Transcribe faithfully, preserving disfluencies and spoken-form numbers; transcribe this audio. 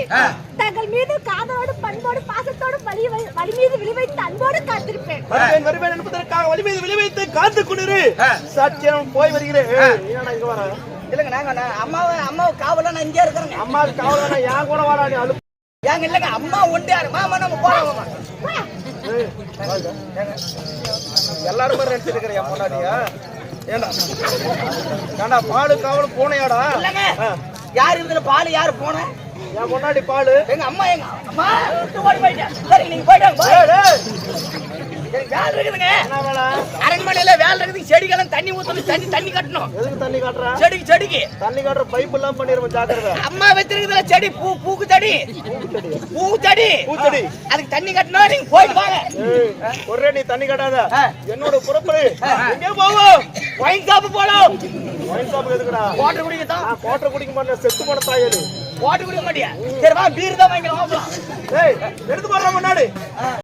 தங்கள் மீது காதலோடு பண்போடு பாசத்தோடு வலி வலி மீது விழிவைத்து அன்போடு காத்திருப்பேன். வருவேன் என்பதற்காக வலி மீது விழிவைத்து காத்து கொண்டிரு. சத்தியம் போய் வருகிறேன். இங்க வர இல்லங்க நாங்க அம்மாவை அம்மாவை காவல நான் இங்கே இருக்கிறேங்க. அம்மாவுக்கு காவலா என் கூட வாடா நீ அழு. ஏங்க இல்லங்க அம்மா ஒண்டியாரு மாமா நம்ம போறோம். எல்லாரும் மாதிரி நினைச்சிருக்கிற என் பொண்டாட்டியா? ஏண்டா ஏண்டா பாலு காவல் பூனையாடா? இல்லங்க யார் இதுல பால் யாரு போன? என் பொண்டாட்டி பாலு. எங்க அம்மா எங்க அம்மா விட்டு ஓடி போயிட்டேன். சரி நீங்க போயிட்டாங்க. வேலை இருக்குதுங்க. என்ன வேலை? அரண்மனையில வேலை இருக்குது. செடிக்கெல்லாம் தண்ணி ஊத்தணும். தண்ணி தண்ணி கட்டணும். எதுக்கு தண்ணி காட்டுற? செடிக்கு செடிக்கு தண்ணி காட்டுற பைப் எல்லாம் பண்ணிருவோம். ஜாக்கிரதை. அம்மா வச்சிருக்குதுல செடி பூ பூக்கு செடி பூ செடி பூச்செடி அதுக்கு தண்ணி கட்டணும். நீங்க போயிட்டு வாங்க. ஒரே நீ தண்ணி காட்டாத. என்னோட புறப்படு. எங்கே போவோம்? ஒயின் ஷாப் போலாம். ஒயின் ஷாப் எதுக்குடா? வாட்டர் குடிக்க தான். நான் வாட்டர் குடிக்க மாட்டேன். செத்து போன தாயரு. வாட்டர் குடிக்க மாட்டியா? சரி வா பீர் தான் வாங்கலாம். ஏய் எடுத்து போறா முன்னாடி.